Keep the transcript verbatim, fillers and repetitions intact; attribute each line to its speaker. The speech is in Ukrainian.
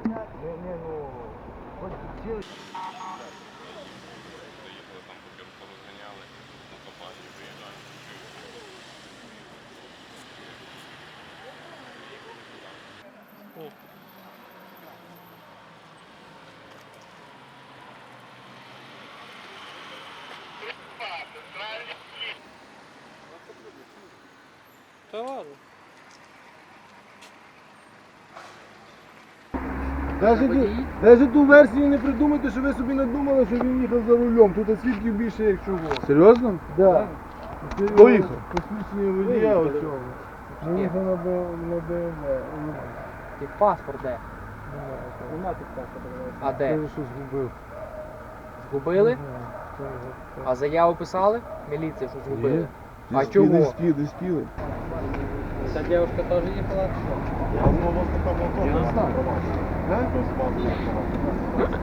Speaker 1: Не, ну, хоч ціли.
Speaker 2: Заїхали там, поки порозганяли, на компанію виїжджають.
Speaker 3: Та ладно.
Speaker 1: Навіть, навіть ту версію не придумайте, що ви собі надумали, що він їхав за рулем. Тут свідків більше, як чого.
Speaker 4: Серйозно?
Speaker 1: Да.
Speaker 4: Хто їхав?
Speaker 1: Посвідчення водія оцього. Він їхав на Б М В.
Speaker 3: Ти паспорт де?
Speaker 1: Нема тут паспорта.
Speaker 3: А де?
Speaker 1: Каже, що згубив.
Speaker 3: Згубили? А заяву писали? Міліція, що згубили. А
Speaker 4: Десь
Speaker 3: чого?
Speaker 4: Десь піли, десь піли.
Speaker 3: Ця дівчинка теж їхала?
Speaker 4: Я не знаю.